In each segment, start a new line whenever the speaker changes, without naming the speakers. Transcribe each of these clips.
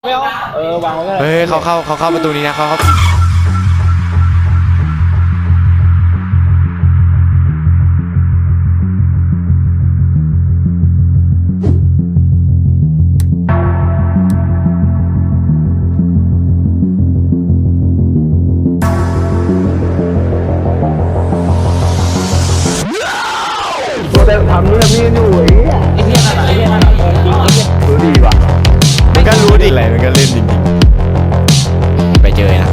ไม่เอาวางไว้ก็ได้
เฮ้ยเขาเข้าประตูนี้นะเขา
ตัวแต่ทำนู่นทำนี่อยู่ไอ้เหี้ย
ไอ้เหี้ยนั่นจริงไอ้เหี้ย
รู้ดีว่ะ
มันก็รู้ดิอะไรมันก็เล่นจริงๆไปเจอนะ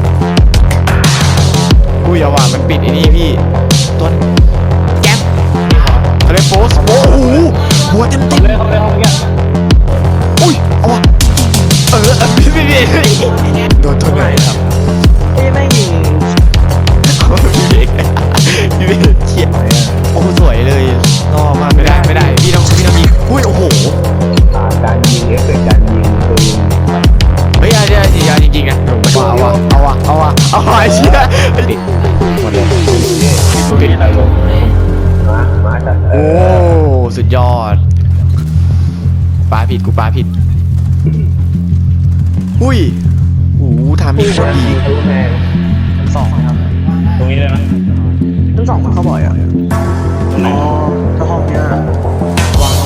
อุ้ยเอาว่ะมันปิดไอ้นี่พี่ต้นแก๊ปเขาเรียกโฟสโอ้โหหัวเต็ม
เลยเขาเลยห้องเนี้ย
อุ้ยเอาว่ะพี่โดนตัวไหนครับ
ไอ้แม่งยิง
พี่เบกเขียนโอ้สวยเลยรอมากไม่ได้พี่ต้องยิงอุ้ยโอ้โห
การยิงเอฟเฟกต์การยิงปืน
เฮ้ยอย่าจริงๆนะเอาว่ะไอ้เชี่ยปิดหมดเลยปิด
มาจัด
โอ้สุดยอดปาผิดอุ้ยโอ้ทำให้โคตรดี
รู้แม่สองครับ
ตรงนี้เลยนะ
ทั้งสองมันเขาบ่อยอ่ะอ๋อถ้าห้องเนี้ยวาง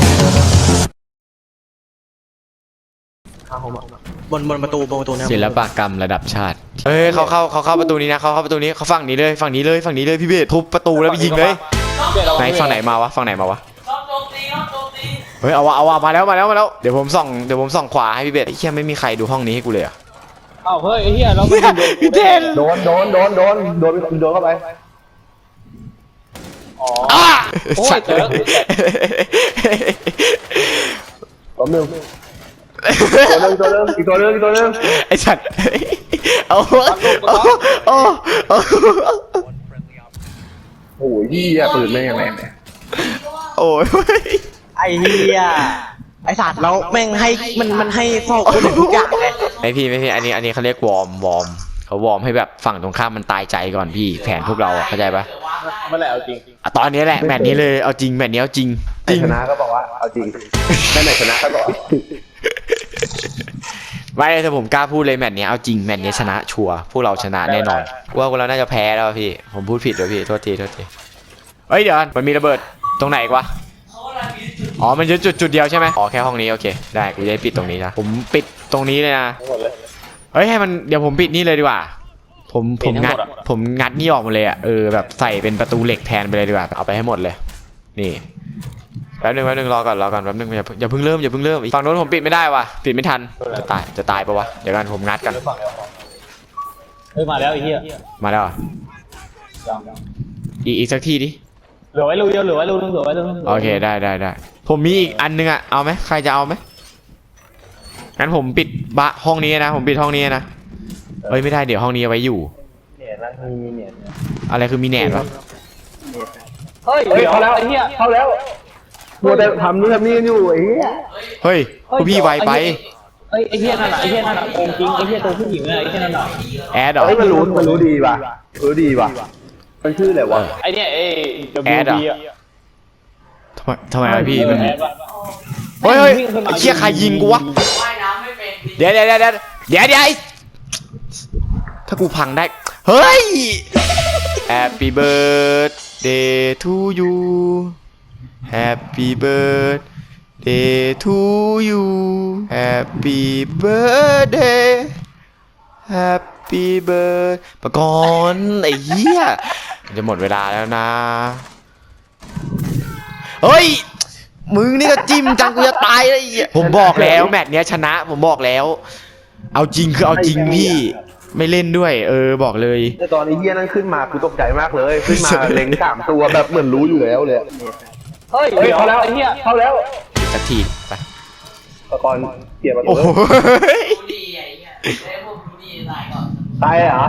บนประตูเนี่ย
ศิลปกรรมระดับชาติเฮ้ยเขาเข้าประตูนี้นะเขาเข้าประตูนี้เขาฝั่งนี้เลยพี่เบสทุบประตูแล้วไปยิงเลยไหนฝั่งไหนมาวะเฮ้ยเอาวะมาแล้วเดี๋ยวผมส่องขวาให้พี่เบสไอ้เหี้ยไม่มีใครดูห้องนี้ให้กูเลยอะ
เอ้าเฮ้ยไอ้เหี้ยเราไม่โดน
พี่เทน
โดนเข้าไป
อ๋อ โอ้ย
สัตว์
เจอ
ตัวหนึ่งอีกตัวหนึ่ง
ไอ้สัตว์เอา
โอ้ยพี่ปืนแม่งแม่ง
โอ้ย
ไอ้เหี้ยไอ้สัตว์แล้วแม่งให้มันให้ฟอกคนทุกอย่างเลย
ไม่พี่อันนี้เขาเรียกวอร์มเขาวอร์มให้แบบฝั่งตรงข้ามมันตายใจก่อนพี่แผนพวกเราอะเข้าใจปะ
เมื่อไหร่เอาจริง
อ่ะตอนนี้แหละแมตช์นี้เลยเอาจริงแมตช์นี้เอาจริง
ชนะก็บอกว่าเอาจริงแม่ไหนชนะก็บอก
ไม่ถ้าผมกล้าพูดเลยแมตช์นี้เอาจริงแมตช์นี้ชนะชัวร์พวกเราชนะแน่นอนว่าพวกเราน่าจะแพ้แล้วพี่ผมพูดผิดเลยพี่โทษทีเฮ้ยเดี๋ยวมันมีระเบิดตรงไหนอีกวะอ๋อมันจะจุดเดียวใช่ไหมอ๋อแค่ห้องนี้โอเคได้กูจะปิดตรงนี้นะผมปิดตรงนี้เลยนะเฮ้ยให้มันเดี๋ยวผมปิดนี่เลยดีกว่าผมงัดนี่ออกหมดเลยอ่ะแบบใส่เป็นประตูเหล็กแทนไปเลยดีกว่าเอาไปให้หมดเลยนี่แป๊บนึงรอก่อนแป๊บนึงอย่าเพิ่งเริ่มฝั่งโน้นผมปิดไม่ได้ว่ะปิดไม่ทันจะตายปะวะเดี๋ยวกันผมงัดกัน
เฮ้ยมาแล้วไอ้เหี้ย
มาแล้วอีกสักทีดิ
เหลือไว้รูเดียวเหลือไว้รูนึง
โอเคได้ผมมีอีกอันนึงอ่ะเอาไหมใครจะเอาไหมงั้นผมปิดห้องนี้นะผมปิดห้องนี้นะเฮ้ยไม่ได้เดี๋ยวห้องนี้เอาไว้อยู่
เนี่ยนะมีเนี่ย
อะไรคือมีแหนบวะ
เฮ้ยเขาแล้วไอ้เหี้ย
เข้าแล้วตัวแต่ทำนู่นทำนี่อยู่ไอ้เหี้ย
เฮ้ยพวกพี่ไวไป
เฮ้ยไอ้เหี้ยนั่นน่ะโกงจริงไอ้เหี้ยตัวผู้หญิงน่ะไอ้เหี้ยนั่นน่ะ
แอดเหรอ
เฮ้ยมันรู้ดีว่ะมันชื่ออะไรวะ
ไอ้เนี่ยไอ้
แอดเหรอ
WB อ่ะ
ทำไมวะพี่มัน
แอดวะ
เฮ้ยไอ้เชี่ยใครยิงกูวะเดี๋ยวถ้ากูพังได้เฮ้ย Happy birthday to you Happy birthday to you Happy birthday Happy birthday ปะกอนไอ้เหี้ยจะหมดเวลาแล้วนะเฮ้ยมึงนี่ก็จิ้มจังกูจะตายเลยผมบอกแล้วแมตช์เนี้ยชนะผมบอกแล้วเอาจริงคือเอาจริงพี่ไม่เล่นด้วยบอกเลย
แต่ตอนนี้เหี้ยนั่นขึ้นมากูตกใจมากเลยขึ้นมาเล็ง3ตัวแบบเหมือนรู้อยู่แล้วเลย
เฮ้ยเขาแล้วไอ้เหี้ย
เข้าแล้ว
สักทีไป
ตะกอนเกียร์ประตู
โอ้โห
ตายเหรอ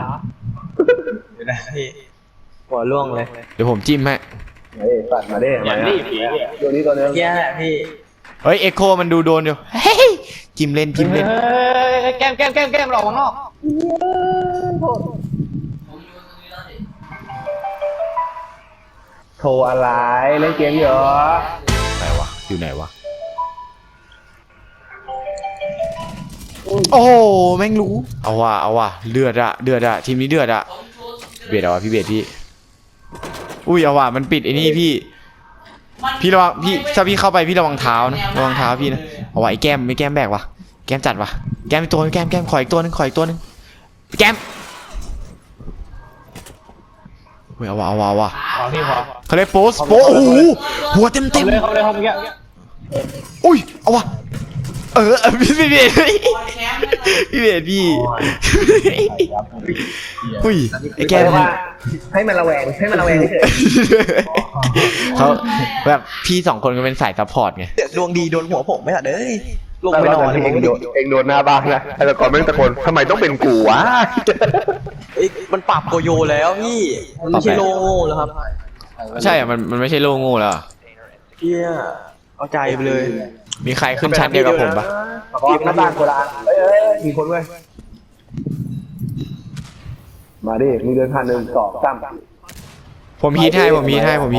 หัวล่วงเลย
เดี๋ยวผมจิ้มให้
เฮ้ยปัดมาได้
อย่างนี้ผี
ตัวนี้ตัวนึง
เหี้ยแหละพี่
เฮ้ยเอ็กโคมันดูโดนอยู่เฮ้ยจิ้มเล่น
เฮ้ยแก้มหลอกข้างนอก
โทรอะไรเล่นเกมเหรอ
ไหนวะอยู่ไหนวะ
โอ้
โอ้โหแม่งรู้เอาว่ะเดือดอะทีมนี้เดือดอะเบียดเอาว่ะพี่เบียดพี่อุ้ยเอาว่ะมันปิดไอ้นี่พี่ระวังพี่ถ้าพี่เข้าไปพี่ระวังเท้านะระวังเท้าพี่นะเอาว่ะไอ้แก้มไม่แก้มแบกว่ะแก้มจัดว่ะแก้มอีกตัวแก้มขออีกตัวนึงแก้มเฮ้ยเอาว่ะ
ขอพี่ขอ
เขาเรียกโป๊โอ้โหหัวเต็ม
เขาเลยเขาเลยเขาเมื่อกี้
อุ้ยเอาว่ะพี่เบียดพี่อุ้ยไอ้แก้ม
ให้มันระแวงเฉย
เขาแบบพี่2คนก็เป็นสายซัพพอร์ตไง
ดวงดีโดนหัวผมไม่ละเด้ยลงไปนอน
เองโดนหน้าบ้านนะแต่ก่อนแม่งตะโกนทำไมต้องเป็นกูวะ
มันปรับโกโยแล้วพี่มันไม่ใช่โลโง่แล้วครับ
ใช่อะมันไม่ใช่โลโง่แล้วอะ
เฮียเอาใจไปเลย
มีใครขึ้นชั้นเดียวกับผมปะ
ทีมหน้าบ้านโบราณมีคนเว้ยมาดิมึงเดินผ่าน1 2 3
ผมฮีทให้
ทำไม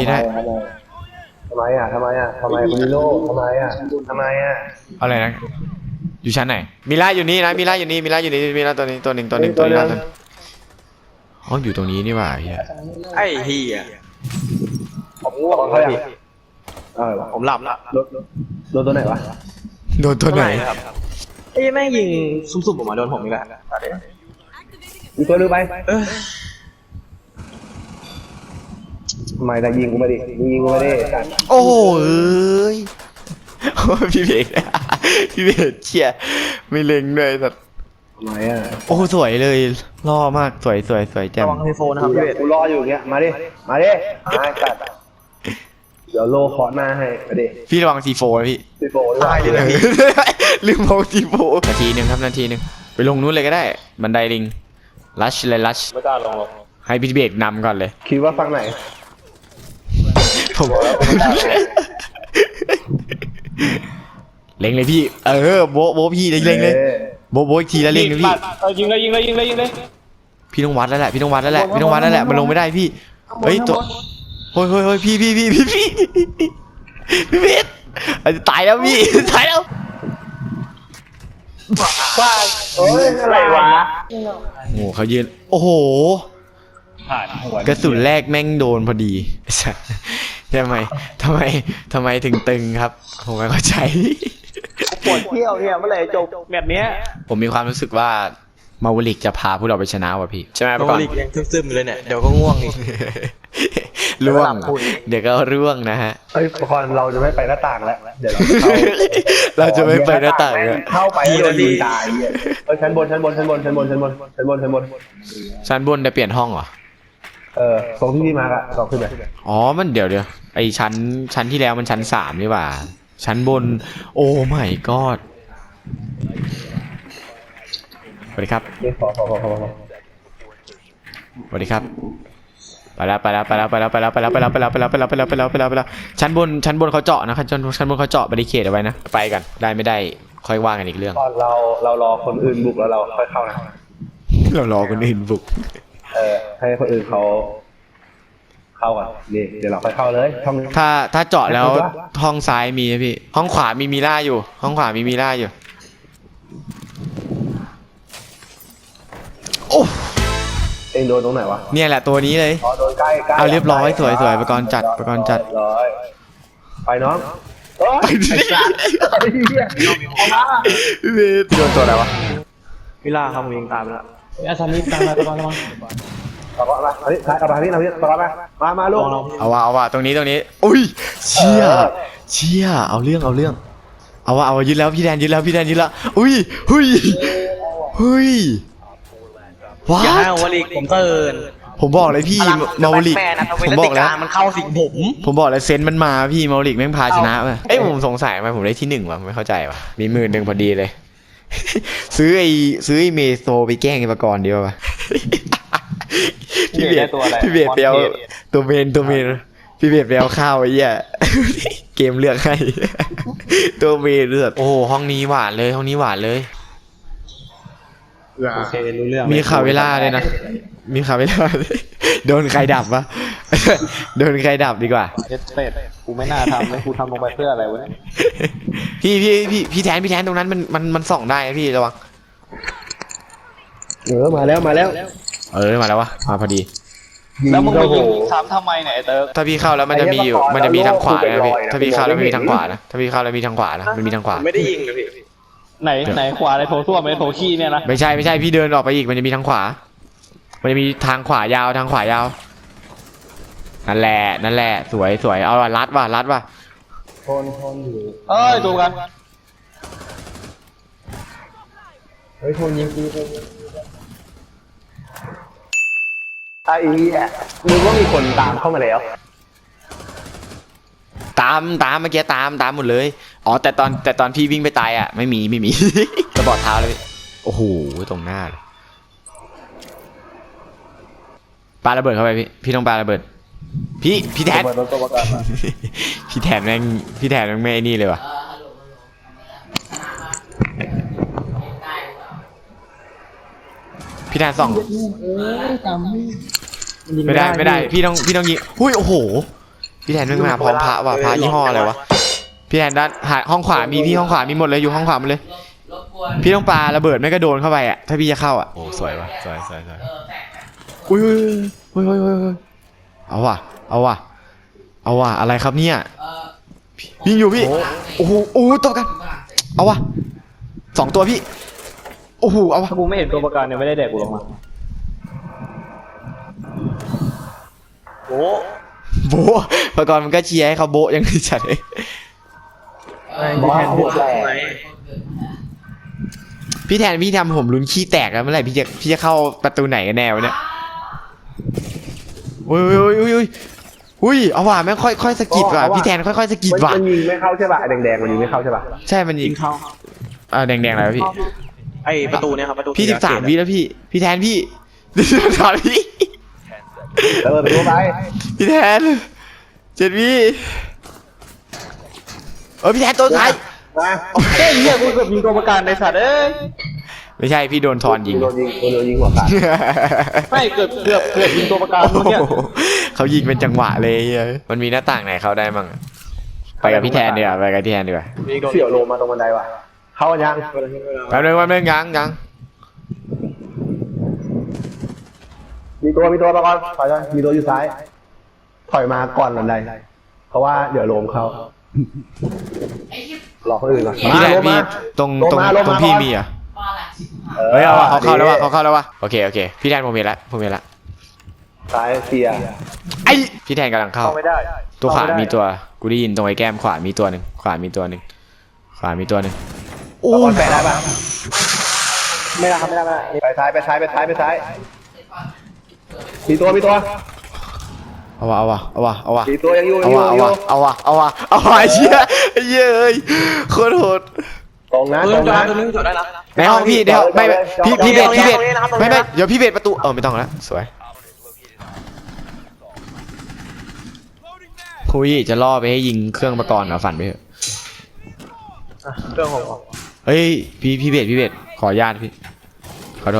คุณนิโน่ทำไม
อะไรนะอยู่ชั้นไหนมิล่าอยู่นี่นะมิล่าอยู่นี่ตัวนี้ตัวหนึ่งอ๋ออยู่ตรงนี้นี่หว่าเฮีย
ไอ้เฮีย
ผมง่วงเขาอย่าง
ผมหลับละ
โดนตัวไหนวะ
โดนตัวไหน
ไอ้แม่งยิงสุ่มๆออกมาโดนผมอีกแล้ว
มีตัวนึงไปทำไมแต่ยิงกูไม่ดิยิงกูไม่ได้
โอ้ยพี่เบกเชี่ยไม่เล็งด้วยสัตว์
ทำไมอ่ะ
โอ้สวยเลยล่อมากสวยแจ่ม
ระวังไฮโฟนนะครับพี่เวท
กูรออยู่เงี้ยมาดิตัดเดี๋ยวโลเคาะหน้าให้มาดิ
พี่ระวังซีโฟนะพี่
พี่โฟตายเลย
ลืมมองซีโฟนาทีหนึ่งไปลงนู้นเลยก็ได้บันไดลิงลัชไม่กล้าลงให้พี่เบกนำก่อนเลย
คิดว่าฟังไหน
ผมเล็งเลยพี่โบพี่เล็งเลยโบอีกทีแล้วเล็งเลยพี่
ยิงเลย
พี่ต้องวัดแล้วแหละมันลงไม่ได้พี่เฮ้ยตัวเฮ้ยพี่เบสอาจจะตายแล้วพี่ตายแล้ว
โอ้ยอะไรวะ
โอ้โหเขายืนโอ้โห
ผ่านหัว
กระสุนแรกแม่งโดนพอดีทำไมถึงตึงครับผมไม่เข้าใจ
ปวดเที่ยวเนี่ยเมื่อไหร่จบ
แบบเนี้ย
ผมมีความรู้สึกว่ามาวลิกจะพาพวกเราไปชนะว่ะพี่ใช่ไหม
โน
ก่อน
ลิกยังซึมๆเลยเนี่ยเดี๋ยวก็ง่วงอีก
ร่วงเดี๋ยวก็ร่วงนะฮะ
เฮ้ยพรเราจะไม่ไปหน้าต่างแล้วเดี๋ยว
เราจะไม่ไปหน้าต่างเลย
เข้าไปโดนยิงตายชั้นบนชั้นบนได้
เปลี่ยนห้องเหรอ
ตรงที่พี่มาร์กอะลองขึ้นไป
อ๋อมันเดี๋ยวไอชั้นที่แล้วมันชั้น3นี่หว่าชั้นบนโอ้ไม่กอดสวัสดีครับ
ขอ
สวัสดีครับไปแล้วชั้นบนเขาเจาะนะครับชั้นบนเขาเจาะบาริเคดเอาไว้นะไปกันได้ไม่ได้ค่อยว่ากันอีกเรื่อง
ตอนเรารอคนอื่นบุกแล้วเราค่อยเข้านะ
เรารอคนอื่นบุก
ให้คนอื่นเขาเข้าก่อนนี่เดี๋ยวเราค่อยเข้าเลยช่อง
ถ้าเจาะแล้วห้องซ้ายมีนะพี่ห้องขวามีมิล่าอยู่โอ้
เองโดนตรงไหนวะ
เนี่ยแหละตัวนี้เลย
โดนใกล้
เอาเรียบร้อยสวยประกรณ์จัด
ร้อยไปน้องไปดิ
โดนตัวอะไรวะ
เวลาครับผมยิงตามแล้ว
อาซามิตามมาตะกอน
ต่อมาอันนี้เอามาที่เราต่อมาลูก
เอาว่ะตรงนี้อุ้ยเชี่ยเอาเรื่องเอายึดแล้วพี่แดนยึดแล้วอุ้ยว้า
อย่าให้โนลิกผมเตือน
ผมบอกเลยพี่มาลิกผมบอกแล้ว
มันเข้าสิงผม
บอกเลยเซนมันมาพี่มาลิกแม่งพาชนะว่ะเอ้ยผมสงสัยมาผมได้ที่1ว่ะไม่เข้าใจว่ะมี10,000พอดีเลยซื้อไอ้เมโซไปแกล้งไอ้ประกรณ์ดีป่ะพี่เบียดไปเอาตัวเมนพี่เบียดไปเอาข้าวไอ้เหี้ยเกมเลือกให้ตัวเมนเลือกโอ้ห้องนี้หวานเลย
โอเครู้เรื่อง
มีข่าวเวลาเลยนะโดนใครดับวะโดนใครดับดีกว่า
เป็ดกูไม่น่าทำเลยกูทำลงไปเพื่ออะไรวะเนี่ย
พี่แทนตรงนั้นมันส่องได้นะพี่ระวัง
มาแล้วมาแล้ว
มาแล้ววะมาพอดี
แล้วมึงไปยิงซ้ำทำไมเนี่ยไอ้เติร์ก
ถ้าพี่เข้าแล้วมันจะมีอยู่มันจะมีทางขวานะพี่ถ้าพี่เข้าแล้วมันมีทางขวานะถ้าพี่เข้าแล้วมีทางขวานะมันมีทางขวา
ไม่ได้ยิงนะพี่
ไหนขวาอะไรโถส้วมไหมโถขี้เนี่ยนะ
ไม่ใช่พี่เดินออกไปอีกมันจะมีทางขวา มันจะมีทางขวายาวทางขวายาวนั่นแหละสวยเอาว่ะรัดว่ะ
ทนอยู่
เอ้ยดูกัน
เฮ้ยทนยิงกูไอ้เหี้ยมึงว่ามีคนตามเข้ามาแล้ว
ตามเมื่อกี้ตามหมดเลยอ๋อแต่ตอนพี่วิ่งไปตายอ่ะไม่มี กระบอกเท้าเลยโอ้โหตรงหน้าเลยปาระเบิดเข้าไปพี่ต้องปาระเบิดพี่แทน
เปิดรถตัวประกันมา
พี่แทนแม่งไม่ไอ้นี่เลยว่ะพี่แทนส่องไม่ได้พี่ต้องยิงหุ้ยโอ้โหพี่แทนไม่มาพร้อมพระว่ะพระยี่ห้ออะไรวะพี่แทนด้านห้องขวามีพี่ห้องขวามีหมดเลยอยู่ห้องขวาหมดเลยพี่ต้องปาระเบิดไม่กระโดนเข้าไปอ่ะถ้าพี่จะเข้าอ่ะโอ้สวยว่ะสวยอุ้ยเอาว่ะอะไรครับเนี่ยพี่อยู่พี่โอ้โหตัวกันเอาว่ะ2ตัวพี่โอ้โหเอาว่ะ
ถ้ากูไม่เห็นตัวประกันเนี่ยไม่ได้แดกกูลงมา
โอ้
โบะประกอบมันก็เชียร์ให้เขาโบะยังจัดเลย
พี่แทนบวกแหละ
พี่แทนพี่ทำผมลุ้นขี้แตกแล้วเมื่อไหร่พี่จะเข้าประตูไหนกันแนวเนี่ยอุ้ยเอาว่ะแม่งค่อยสะกิดว่ะพี่แทนค่อยสะกิดว่ะ
มันยิงไม่เข้าใช่ป่ะแดงๆมันยิงไม่เข้าใช่ป่ะ
ใช่มันยิงแดงอะไรวะพี่
ไอประตูเนี่ยครับประตู
พี่13 วิแล้วพี่แทนพี่13 วิ
ไปดูไป
พี่แทน7 วิพี่แทนตัวท้าย
มา
เฮ้ยเหี้ยกูเกือบยิงตัวประกันในสัตว์เอ้ย
ไม่ใช่พี่โดนทอนยิง
โดนยิงหัวขาด
ไม่เกือบยิงตัวประกันเมื่อกี้
เขายิงเป็นจังหวะเลยมันมีหน้าต่างไหนเข้าได้มั่งไปกับพี่แทนดีกว่า
เสี่ยวโลมาตรงบันไดว่ะเข้ายัง
แป๊บนึงยัง
มีตัวมาก่อนถอยมีตัวอยู่ซ้ายถอยมาก่อนบันไดเพราะว่าเดี๋ยวโลมเข้ารอคนอื่นก่อน
พี่แทนพี่ตรงพี่มีอ่ะเฮ้ยเอาว่ะเขาเข้าแล้วว่ะโอเคพี่แทนผมเห็นละ
ซ้ายเสีย
ไอพี่แทนกำลังเข้า
ไม่ได้
ตัวขวามีตัวกูได้ยินตรงไอ้แก้มขวามีตัวหนึ่งโอ้
แปะได้ป่ะไม่ได้ครับไม่ได้ไปซ้ายมีตัว
เอาว่ะ
มีตัวยังอยู่
เอาว่ะไอ้เหี้ยเอ้ยโคตรโหด
ตรงนะ
ตัวนึงจอดได้แล้ว
ในห้องพี่เดี๋ยวไม่พี่เบสไม่เดี๋ยวพี่เบสประตูไม่ต้องแล้วสวยคุยจะล่อไปให้ยิงเครื่องประกรณ์เหรอฝันไปเถอะ
เครื่องของ
เฮ้ยพี่เบสขออนุญาตพี่ขอโทษ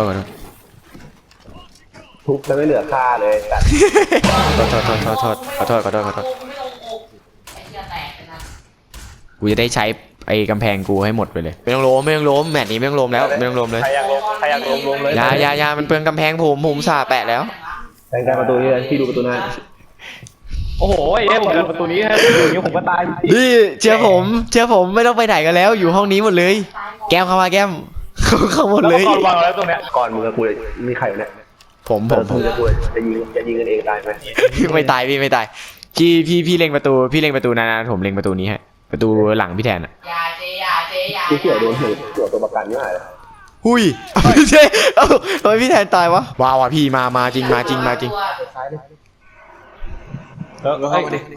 ทุบจะไม่เหลือค่าเลยแต่
ขอโทษกูจะได้ใช้ไอ้กำแพงกูให้หมดไปเลยไม่ต้องล้มแมตช์นี้ไม่ต้องล้มแล้วไม่ต้องล้มเลย
ใครอยากลงเลย
ยามันเปลืองกำแพงผมสาแปะแล้ว
แทงการประตูนี่เลยที่ดูประตูหน้า
โอ้โหไอ้เหี้ยผมเดินประตูนี้ฮะอย่างนี้ผมก็ตาย
นี่เชื่อผมไม่ต้องไปไหนกันแล้วอยู่ห้องนี้หมดเลยแก้มเข้ามาแก้มเข้าหมดเลย
ก่อนวางแล้วตรงเนี้ย
ก่อนมึงกับกูมีใครเนี่ย
ผม
มึงกับกูจะยิงกันเองตายไหม
ไม่ตายพี่ไม่ตายพี่เล็งประตูนานๆผมเล็งประตูนี้ฮะประตูหลังพี่แทนอ่ะ
กูเสี่ยวโดนหัวตัวประกันนี่หาย
หุยไม่ใช่ทำไมพี่แทนตายวะว้าวพี่มาจริง
ก็เข้ามาดิ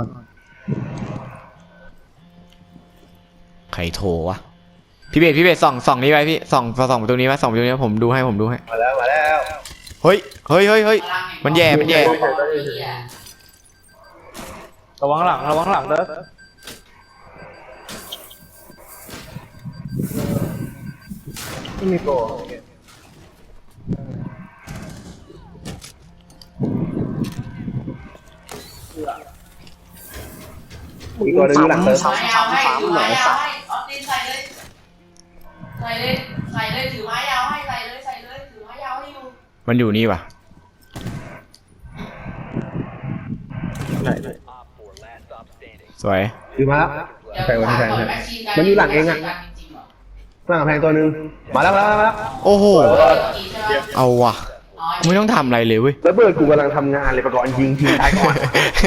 ใครโทรวะพี่เบสส่องนี้ไปพี่ส่องประตูนี้ไว้ส่องประตูนี้ผมดูให้
มาแล้ว
เฮ้ยมันแย่
ระวังหลังเด้อ
ไม่มีตัวอีกตัวนึงหลังเติม
ไม่เอาให้ถือไม้ยาวให้ออฟตินใส่เลยถือไม้ยาวให้ใส่เลยถือไม้ยาว
มันอยู่นี่ว่ะ สวย
อยู่มาแล้วใช่วันที่ใช่มันอยู่หลังเองอ่ะหลังกำแพงตัวนึงมาแล้ว
โอ้โห เอาว่ะกูไม่ต้องทำอะไรเลยเว้ย
แล้วเบิร์ดกูกำลังทำงานเลยประกอบยิงทีตายก่อน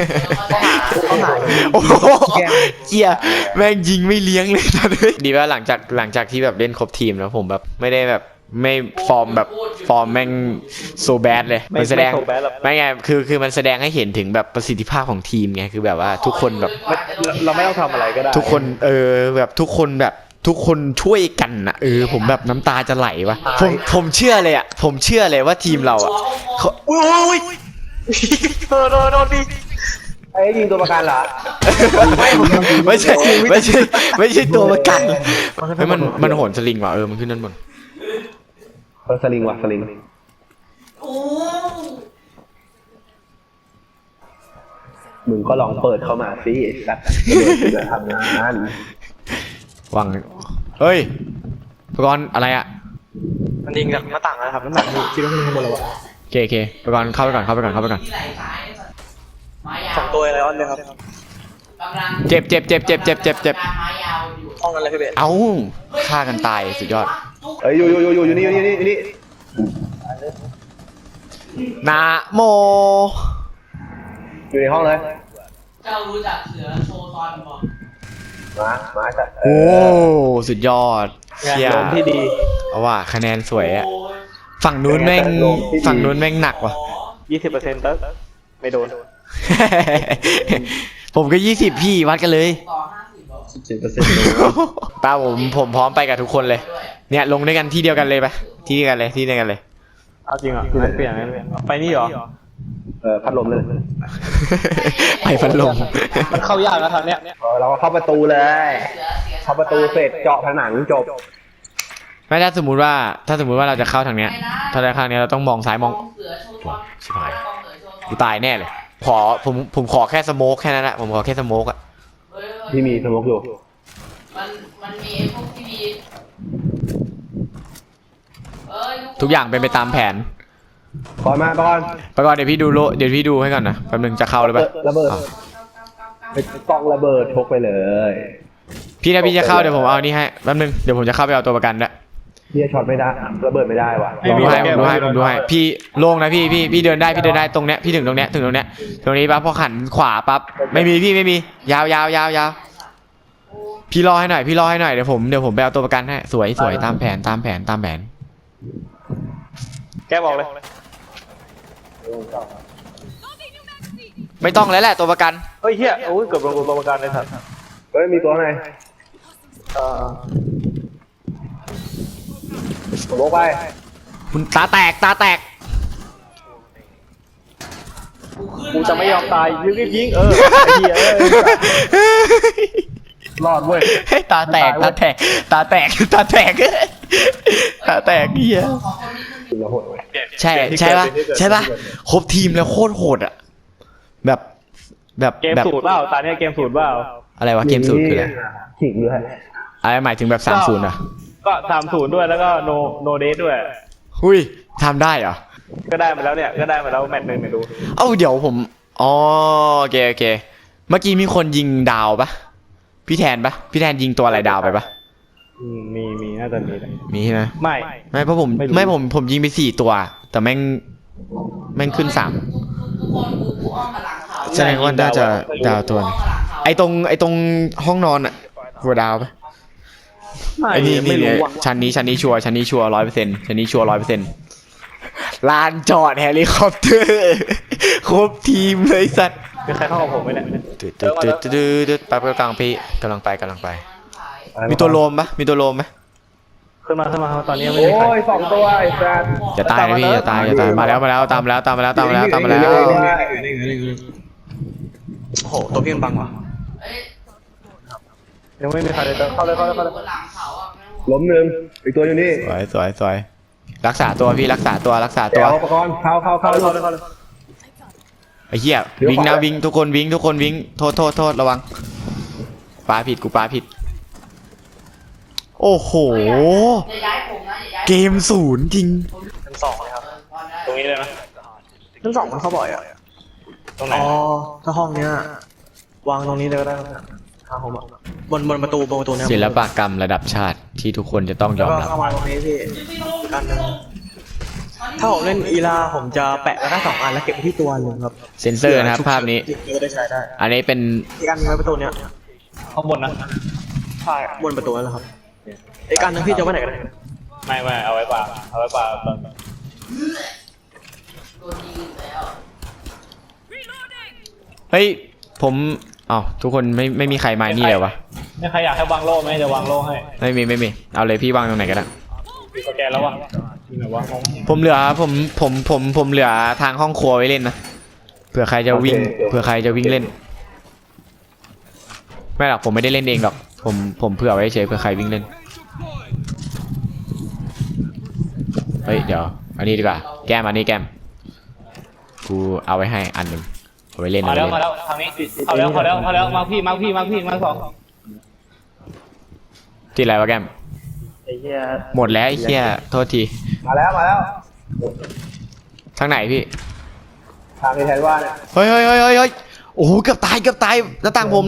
โอ้โหเจียแม่งยิงไม่เลี้ยงเลยตอนนี้ดีว่าหลังจากที่แบบเล่นครบทีมแล้วผมแบบไม่ได้แบบไม่ฟอร์มแม่งโซแบดเลยมันแสดงไม่ไงคือมันแสดงให้เห็นถึงแบบประสิทธิภาพของทีมไงคือแบบว่าทุกคนแบบ
เราไม่ต้องทำอะไรก็ได้
ทุกคนแบบทุกคนช่วยกันนะผมแบบน้ำตาจะไหลวะผมเชื่อเลยอ่ะผมเชื่อเลยว่าทีมเราอ่ะอุ้ย
โดนดิ
ไอ้ยิงตัวประกันเหรอ
ไม่ใช่ตัวประกันเฮ้ยมันโหนสลิงว่ะมันขึ้นด้านบน
สลิงว่ะสลิงมึงก็ลองเปิดเข้ามาสิสัตว์จะทำงาน
วังเฮ้ยประกรณ์อะไรอ่ะ
มันยิงจากหน้าต่างนะครับน้ำหนักนี่คิดว่ามันข้างบนแล้ววะ
โอเคประกรณ์เข้าไปก่อน
สองตัวอะไรออนเลยครับ
เจ็บ
ห้องอะไรพี่เบส
เอ้าฆ่ากันตายสุดยอด
เอ้ยอยู่นี่
นะโม
อยู่ในห้องเลย
เจ้ารู้จักเสือโชว์ตอนบอก
มาจัด
โอ้สุดยอดเชี่ย
ที่ดี
เอาว่ะคะแนนสวยอ่ะฝั่งนู้นแม่งหนักว่ะ
20%ตั้งไม่โดน
ผมก็20พี่วัดกันเลย
ต่อ50บอก
ป้าผมพร้อมไปกับทุกคนเลยเนี่ยลงด้วยกันที่เดียวกันเลยไปที่เดียวกันเลย
เอาจริงเหรอเปลี่ยนไปนี่เหรอ
พัดลมเลย
ไปพัดลม
มันเข้ายากนะทางเนี้ย
เราก็เข้าประตูเลย เข้าประตูเสร็จเจาะผนังจบ
ไม่ถ้าสมมุติว่าเราจะเข้าทางเนี้ยถ้าจะเข้าทางเนี้ยเราต้องมองซ้ายมอง
เสือโชว์ตอน
ชิบหายกูตายแน่เลยผมขอแค่สโมกแค่นั้นแหละผมขอแค่สโมกอ่ะ
ที่มีสมองอยู่
มันมีไอ้พวกที่มี
ทุกอย่างเป็นไปตามแผน
ก่อนมาก่อน
ไปก่อนเดี๋ยวพี่ดูให้ก่อนนะแป๊บนึงจะเข้าหรือเปล่า
ระเบิด
อ้าว
ไปกองระเบิดชกไปเลย
พี่ถ้าพี่จะเข้าเดี๋ยวผมเอานี่ให้แป๊บนึงเดี๋ยวผมจะเข้าไปเอาตัวประกันด้วย
เฮียช็อตไม่ได้ระเบิดไม่ได้ว่ะ
ผมดูให้พี่โล่งนะพี่เดินได้ตรงเนี้ยพี่ถึงตรงเนี้ยตรงนี้ปั๊บพอหันขวาปั๊บไม่มียาวพี่รอให้หน่อยเดี๋ยวผมไปเอาตัวประกันให้สวยตามแผน
แกบอกเลย
ไม่ต้องแล้วแหละตัวประกัน
เฮ้ยเฮียโอ้ยเกือบโดนตัวประกันเลยสัตว์
เฮ้ยมีตัวไหนผมบอกไป
คุณตาแตก
กูจะไม่ยอมตายยิงไอ้เหี้ย
รอดเว้ย
ตาแตกเหี้ย
เราโหดเว้ย
ใช่ปะครบทีมแล้วโคตรโหดอ่ะแบบ
เกมสูตรเปล่าตอนนี้เกมสูตรเปล่า
อะไรวะเกมสูตรคืออะไร
ขิงด้วย
อะไรหมายถึงแบบ30อ่ะ
ก็30ด้วยแล้วก็โนเดทด้วย
หุ้ยทำได้เหรอ
ก็ได้มาแล้วเนี่ยก็ได้มาแล้วแมตช์หนึ่งเนี่ยดู
เอ้าเดี๋ยวผมอ๋อโอเคเมื่อกี้มีคนยิงดาวปะพี่แทนยิงตัวอะไรดาวไปปะ
มีน่าจะมี
มีใช่ไหม
ไม่
เพราะผม
ไม่รู้
ไม่ผมยิงไป4ตัวแต่แม่งขึ้น3
ทุกคนกูอ้อมมาหลังเขา
แสดงว่าน่าจะดาวตัวนึงไอตรงห้องนอนอะหัวดาวปะไอนี่
ไม่รู้ว่ะ
ชั้นนี้ชัวร์100%ชั้นนี้ชัวร์100%ลานจอดเฮลิคอปเตอร์ครบทีมเลยสัตว์
มีใครเข้ากับผมไหมเนี่ย
แป๊บกลางพี่กำลังไปมีตัวโลมไหม
ขึ้นมาตอนนี้ยังไม่
โอ้
มีใคร
ย2ตัวไอ้แซด
อย่าตายนะพี่อย่าตายมาแล้วตามมาแล้ว
โอ้โหตัวพี่มันบังว่ะ
ยังไม่มีใครเลยเข้าเลย
หลังเขาอ่ะ
ล้มหนึ่งอีกตัวอยู่นี่
สวยรักษาตัวพี่รักษาตัว
เดี๋ยวประกรณ์เข้าเลย
ไอ้เหี้ยวิ่งนะวิ่งทุกคนวิ่งโทษระวังปาผิดโอ้โห
จะย้ายผมนะอย่าย้าย
เกม0จริง
เป็น2เลยครับ
รงนี้เลยนะ
ทั้งสองมันเข้าบ่อยอ่ะ
ตรงไหน
อ๋อถ้าห้องเนี้ยวางตรงนี้เลยก็ได้ครับทางผมอ่ะบนประตูเนี่ย
ศิลปกรรมระดับชาติที่ทุกคนจะต้องย
แล้ว
อม
ก็
รับ
เข้ามาตรงนี้พี่อีกอันหนึงถ้าผมเล่นอีลาผมจะแปะไว้ได้2 อันแล้วเก็บไว้ที่ตัวหนึ่งครับ
เซนเซอร์นะครับภาพนี้
ก็ได้ใช้ได้
อันนี้เป็น
อีกอันหนึงไว้ประตูเนี้ย
ข้างบนนะ
ใช่บนประตูนั่นแหละครับอีกอันหนึงพี่จะไว้ไหนกัน
ไม่เอาไว้ปลาตอน
โดนยิงแล้ว
เฮ้ยผมอ้าวทุกคนไม่มีใครมานี่เลยวะ
ไม่ใครอยากให้วางโล่ไหมจะวางโล่ให้
ไม่มีเอาเลยพี่วางตรงไหนก็ได้
มีสแกนแล้ววะที่ไหนวะ
ผมเหลือผมเหลือทางห้องครัวไว้เล่นนะเผื่อใครจะวิ่งเล่นไม่หรอกผมไม่ได้เล่นเองหรอกผมเผื่อไว้เฉยเผื่อใครวิ่งเล่นเฮ้ยเดี๋ยวอันนี้ดีกว่าแก้มอันนี้แก้มกูเอาไว้ให้อันหนึ่งเอาไว้เล่น
มาแล้วทางนี้เข้าแล้วมาพี่มาสอง
ที่ไรวะแก้ม
ไอ้เหี้ย
หมดแล้วไอ้เหี้ยโทษที
มาแล้ว
ทางไหนพี่
ทางที่แทนว่าเนี่ย
เฮ้ยโอ้โหเกือบตายหน้าต่างผม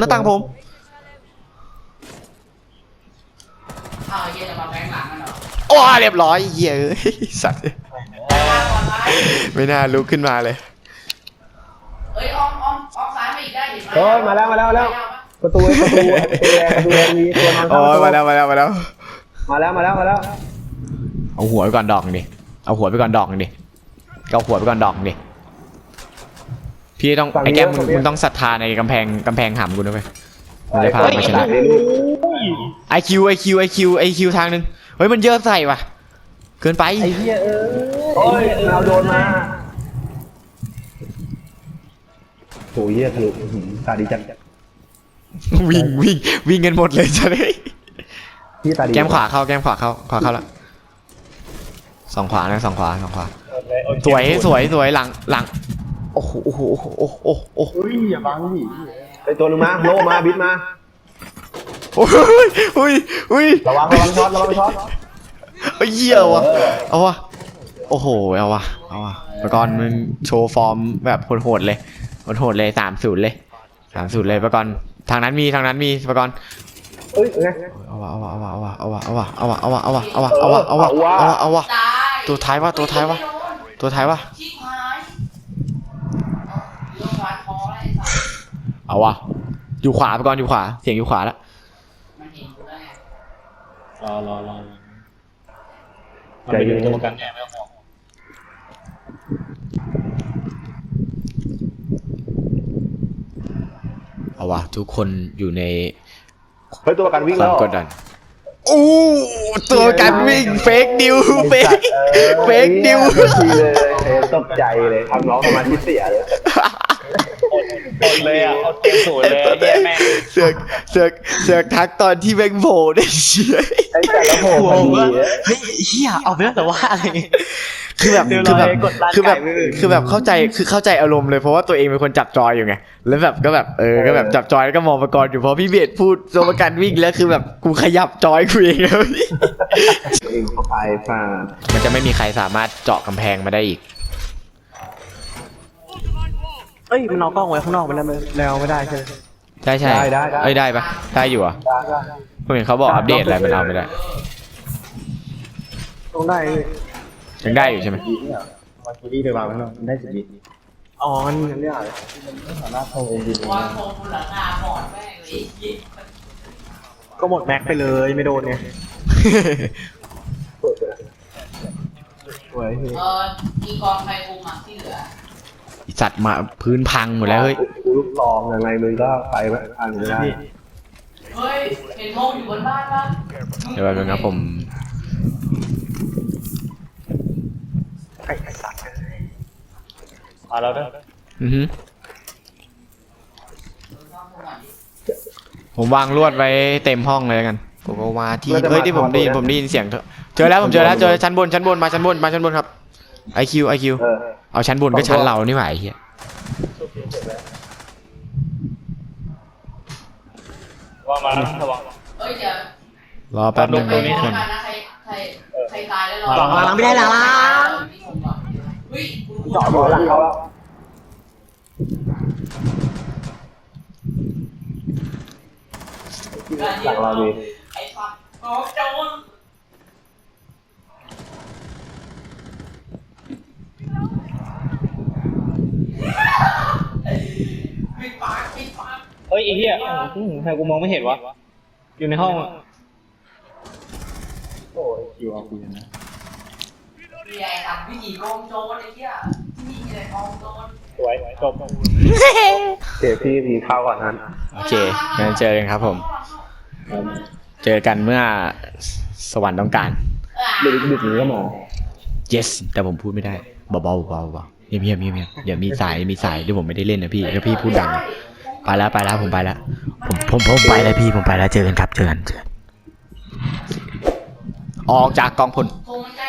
อ้าวเย็นจะมาแบงค์หลังกันเหรอ
โอ้เรียบร้อยเหี้ยเอ้ยสัตว์
แบงค์หลังก่อนไหม
ไม่น่าลุกขึ้นมาเลย
เอ้ยอ้อมซ้ายมาอีกได้เห็นไหม
เฮ้ยมาแล้วประตูแดงมีตัวนอน
โอ้ยมาแล้ว
มาแล้ว
เอาหัวไปก่อนดอกดิเอาหัวไปก่อนดอกดิพี่ต้องไอ้แก้มมึงต้องศรัทธาในกำแพงหำกูนะเว้ยมันจะพามาชนะไอคิวทางนึงเฮ้ยมันเยอะใส่ว่ะเกินไป
ไอ้เหี้ยโอ้ยเราโดนมาโหเหี้ยทะลุตาดีจัง
วิ่งกันหมดเลยจะได้
พี่ตาดี
แก้มขวาเข้าแล้วสองขวาสวยหลังโอ้โห
เฮ้ยอย่าบังดิไอตัวนึงมาโลมาบิดมา
โอ้ย
ระวังช็อต
เฮ้ยเหี้ยว่ะเอาวะโอ้โหเอาวะประกรณ์มึงโชว์ฟอร์มแบบโหดเลย3-0เลยประกรณ์ทางนั้นมีประกรณ์
เอ้ยไง
เอาวะ
ตาย
ตัวท้ายวะ
ชิบหายโดนฟันคออะไรสัก
เอาวะอยู่ขวาประกรณ์อยู่ขวาเสียงอยู่ขวาแล้ว
มันเห็นกูแล้วไง
รอมันไปอยู่ตรงกลางแง่ไม่ต้องห่วง
เอาวะทุกคนอยู่ใน
เฮ้ยตัวประกันวิ่ง
ค
แล้ว
าว มกดดันอู้ตัวกันวิ่งเฟกนิว
ทีเลยตกใจเลยทำน้องสมาธิเสียเลย
เลยอ่ะเอาเกมสูตรเลยแย่แม่ง
เสือกทักตอนที่แบงโผล่ได้เชี่ย
ไอ้แต่ละโผล่พอดี
เฮ้ยเฮียเอาไปแล้วแต่ว่าอะไร
คือแบบเข้าใจอารมณ์เลยเพราะว่าตัวเองเป็นคนจับจอยอยู่ไงแล้วแบบก็แบบจับจอยแล้วก็มองประกรณ์อยู่พอพี่เบสพูดตัวประกันวิ่งแล้วคือแบบกูขยับจอยกูเองแล้ว
เองเข้าไปป่า
มันจะไม่มีใครสามารถเจาะกำแพงมาได้อีก
เอ้ยมันเอากล้องไว้ข้างนอกมันแล้วไม่ได้ใช่ไหม
ใช่ได้ปะได้อยู่อ่ะผมเห็นเขาบอกอัปเดตอะไรมันเอาไม่ได้
ต้องได้
ยังได้อยู่ใช่ไหม
วาคิรี่ไปวางไว้แล้วได้สิบ
อ๋อมันเรียกอะไร
วางโคมบนหลังคาบอดแม่งเลย
ก็หมดแม็กไปเลยไม่โดนไง
สวย
มีกองไฟคุมอ่ะที่เหลือ
สัตว์มาพื้นพังหมดแล้วเฮ้ย
กูลูกลองยังไงมึงก็ไปไม่ทันไม่ได้
เฮ้ยเห็นโมงอยู่บนบ้านปะ
เดี๋ยวแป๊บนึงครับผม
ไอ้สัตว์
มาแล้วเด้อ
อือฮึผมวางลวดไว้เต็มห้องเลยแล้วกันผมก็ว่าที่เฮ้ยที่ผมได้ยินเสียงเจอแล้วชั้นบนมาชั้นบนครับไอคิวเอาชั้นบนก็ชั้นเรานี่หว่าไอ้เหี้ย
ว่ามาแล้วระวัง
เฮ้ยเดี๋ยว
รอแป๊บนึง
ไป
เพื่อน
กันนะใครตายแล้ว
หลังไม่ได้หลัง
เฮ้ย
เจาะอยู่หลังเขาแล้วหลังเราดี
ไอ้ฟักโอ้โจรปิดปากปิดปาก
เฮ้ยไอ้เหี้ยทำไมกูมองไม่เห็นวะอยู่ในห้องอะโอ้ยคิวเอากูยังนะ
เรียนทำวิธีโกงโจรไอ้เหี้ยที่นี่มีแต่โกงโจร
สวยจบ
เจพี่พีเข้าก่อนนั้น
โอเคงั้นเจอกันครับผม เจอกันเมื่อสวรรค์ต้องการ
ดึกๆนี้ก็มา
yes แต่ผมพูดไม่ได้เบาๆเบาๆเงียบเดี๋ยวมีสายที่ผมไม่ได้เล่นนะพี่ถ้าพี่พูดดังไปแล้วผมไปแล้วผมไปแล้วพี่ผมไปแล้วเจอกันครับเจอกันออกจากกองพล
โทรมันใจ